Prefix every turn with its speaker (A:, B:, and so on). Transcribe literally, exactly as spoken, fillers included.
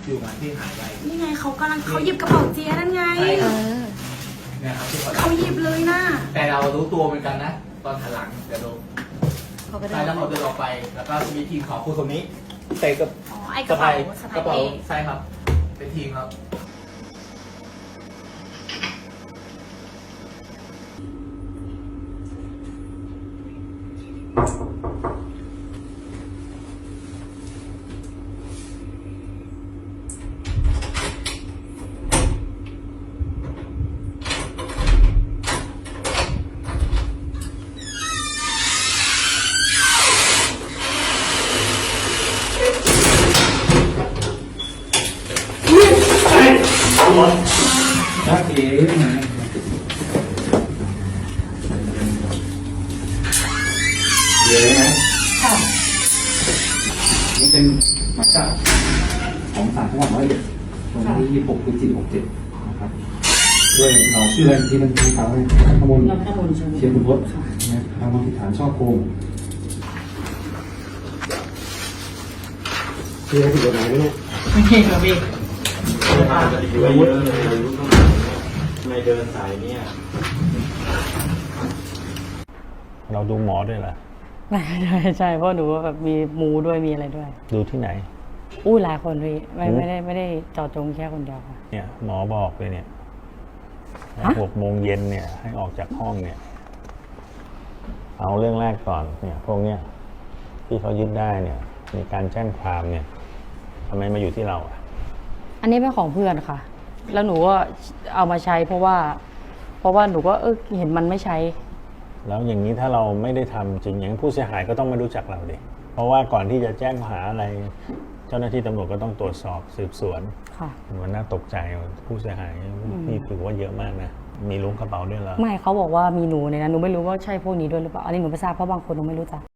A: อยู่มาที่หายไป
B: นี่ไงเขากำลังเขาหยิบกระเป๋าเจียนั่นไงเออ
A: เนี่ยครับ
B: เขาหยิบเลยนะ
A: แต่เรารู้ตัวเหมือนกันนะตอนหันหลังแต่ดูใช่แล้วเขาเดินออกไปแล้วก็มีทีมของคุณคนนี้ใส่กับ
B: อ๋อไอ้กระเป๋าก
A: ระเป๋าใช่ครับเป็นทีมครับ
C: นักเอ๋นะเดี๋ยวนะค่ะนี่เป็นหมายจับของศาลจังหวัดร้อยเอ็ดวันที่ยี่สิบหกพฤศจิกายนหกเจ็ดนะครับด้วยเราชื่ออะไรที่มันที่เขาให้ข้อมูลเชียร์คุณพจน์นะทำความผิดฐานช่อโกงที่ให้ผิดกฎหมายไหมเนี่ย
B: ไม่ใช่ครับพี่
C: อยู่เยอะเลยในเดินสายเนี่ย
D: เราดูหมอด้วยเหรอ
E: ไม่ใช่ใช่เพราะหนูแบบมีมูด้วยมีอะไรด้วย
D: ดูที่ไหน
E: อู้หลายคนพี่ไม่ไม่ได้ไม่ได้เจาะจงแค่คนเดียวค่ะ
D: เนี่ยหมอบอกเลยเนี่ยหกโมงเย็นเนี่ยให้ออกจากห้องเนี่ยเอาเรื่องแรกก่อนเนี่ยพวกเนี้ยที่เขายึดได้เนี่ยมีการแจ้งความเนี่ยทำไมมาอยู่ที่เราอ่ะ
E: อันนี้เป็นของเพื่อนค่ะแล้วหนูก็เอามาใช้เพราะว่าเพราะว่าหนูก็เออเห็นมันไม่ใช้
D: แล้วอย่างนี้ถ้าเราไม่ได้ทำจริงอย่างผู้เสียหายก็ต้องมารู้จักเราดิเพราะว่าก่อนที่จะแจ้งหาอะไรเจ้าหน้าที่ตำรวจก็ต้องตรวจสอบสืบสวน
E: ค่ะ
D: มันน่าตกใจผู้เสียหายนี่ถือว่าเยอะมากนะมีล้วงกระเป๋าด้วยเหรอ
E: ไม่เขาบอกว่ามีหนูในนั้นหนูไม่รู้ว่าใช่พวกนี้ด้วยหรือเปล่าอันนี้หนูไม่ทราบเพราะบางคนหนูไม่รู้จัก